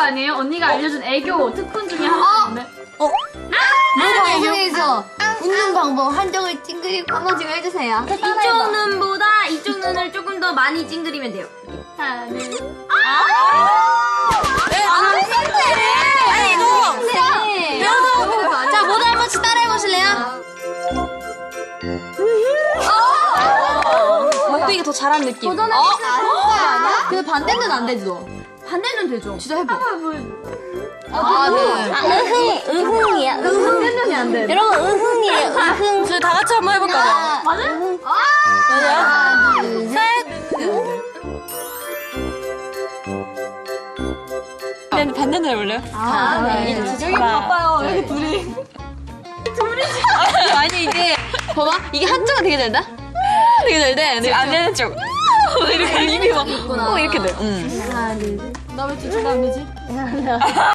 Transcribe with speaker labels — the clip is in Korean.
Speaker 1: 아니에요? 언니가 알려준 애교 특훈 중에 하나인데.
Speaker 2: 방송에서 웃는 방법 한정을 찡그리고 한 번씩 해주세요.
Speaker 3: 이쪽 눈보다 이쪽 눈을 조금 더 많이 찡그리면 돼요.
Speaker 1: 하나, 둘, 셋.
Speaker 2: 아니 이거 자 모두 한 번씩 따라해 보실래요?
Speaker 3: 목도이가 더 잘한 느낌.
Speaker 2: 아니야? 근데 반대는 안 되지 너.
Speaker 3: 반대는 되죠.
Speaker 2: 진짜 해봐.
Speaker 3: 응흥이야.
Speaker 1: 반대면이 안 돼.
Speaker 3: 여러분 응흥이에요. 응흥.
Speaker 2: 저희 다 같이 한번 해볼까요?
Speaker 1: 맞아요?
Speaker 2: 하나 둘 셋.
Speaker 4: 반대로 해볼래요?
Speaker 2: 네.
Speaker 4: 지정이 바빠요. 이렇게 둘이. 아니 이게 봐봐 이게 한쪽은 되게 잘 돼. 되게 잘 돼. 근데 안 되는 쪽. 이렇게 입이 막 이렇게 돼.
Speaker 2: 하나 둘 셋.
Speaker 1: 나 왜 뒤쪽이 안 되지?